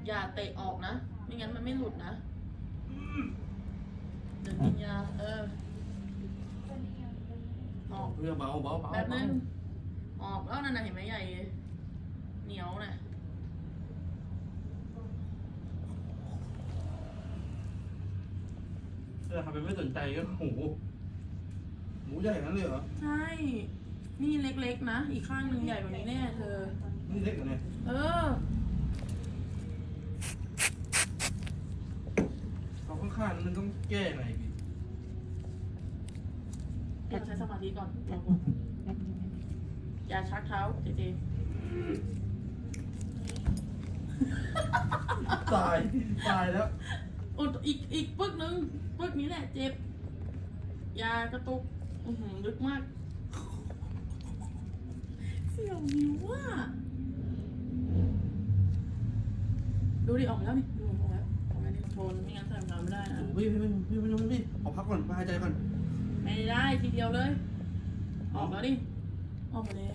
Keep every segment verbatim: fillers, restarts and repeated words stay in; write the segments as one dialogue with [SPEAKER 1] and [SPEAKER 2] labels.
[SPEAKER 1] อย่าเตะออกนะ ไม่งั้นมันไม่หลุดนะเดี๋ยวกินยาเออออก
[SPEAKER 2] เพื่อเบาเบาเบา
[SPEAKER 1] แบบนึงออกแล้วนั่นน่ะเห็นไหมใหญ่เหนียวน่ะ
[SPEAKER 2] เออทำเป็นไม่สนใจก็โอ้โหหมูใหญ่นั้นเลยเหรอ
[SPEAKER 1] ใช่ นี่เล็กๆนะ อีกข้างหนึ่งใหญ่กว่านี้แน่เธอ
[SPEAKER 2] นี่เล็กเหรอเนี่ย
[SPEAKER 1] เออ
[SPEAKER 2] เขาข้างๆมันต้องแก้หน่อยพี่
[SPEAKER 1] เดี๋ยวใช้สมาธิก่อนรอก่อนอย่าชักเท้าเจเจ
[SPEAKER 2] ตายตายแล้ว
[SPEAKER 1] โอ้อีกอีกปึกหนึ่งปึกนี้แหละเจ็บ ยากระตุก อือหือลึกมาก เสี่ยวนิ้วอ่ะดูดิออกมาแล้วนี่ดูออกมาแล้วออกมาดิโทนไม่งั้นใส่รองเท้าไม่ได้นะ
[SPEAKER 2] พี่พี่พี่พี่พี่พี่ขอพักก่อนมาหายใจก่อน
[SPEAKER 1] ไม่ได้ทีเดียวเลย ออกแล้วดิ ออกมาแล้ว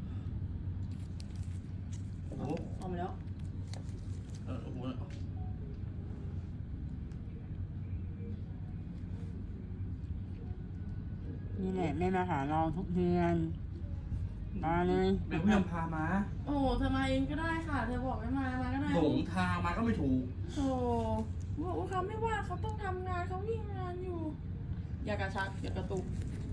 [SPEAKER 2] โอ้โห
[SPEAKER 1] ออกมาแล้ว
[SPEAKER 2] เออโอ้โห
[SPEAKER 3] นี่แหละแม่มาหาเราทุกเดือนมาเลย
[SPEAKER 2] เป็นผู้นำพามา
[SPEAKER 1] โอ้เธอมาเองก็ได้ค่ะ เธอบอกไม่มา มาก็ได้
[SPEAKER 2] หลงทางมาก็ไม่ถูก
[SPEAKER 1] โอ้บอกว่าเขาไม่ว่าเขาต้องทำงานเขาวิ่งงานอยู่ อย่ากระชักอย่ากระตุก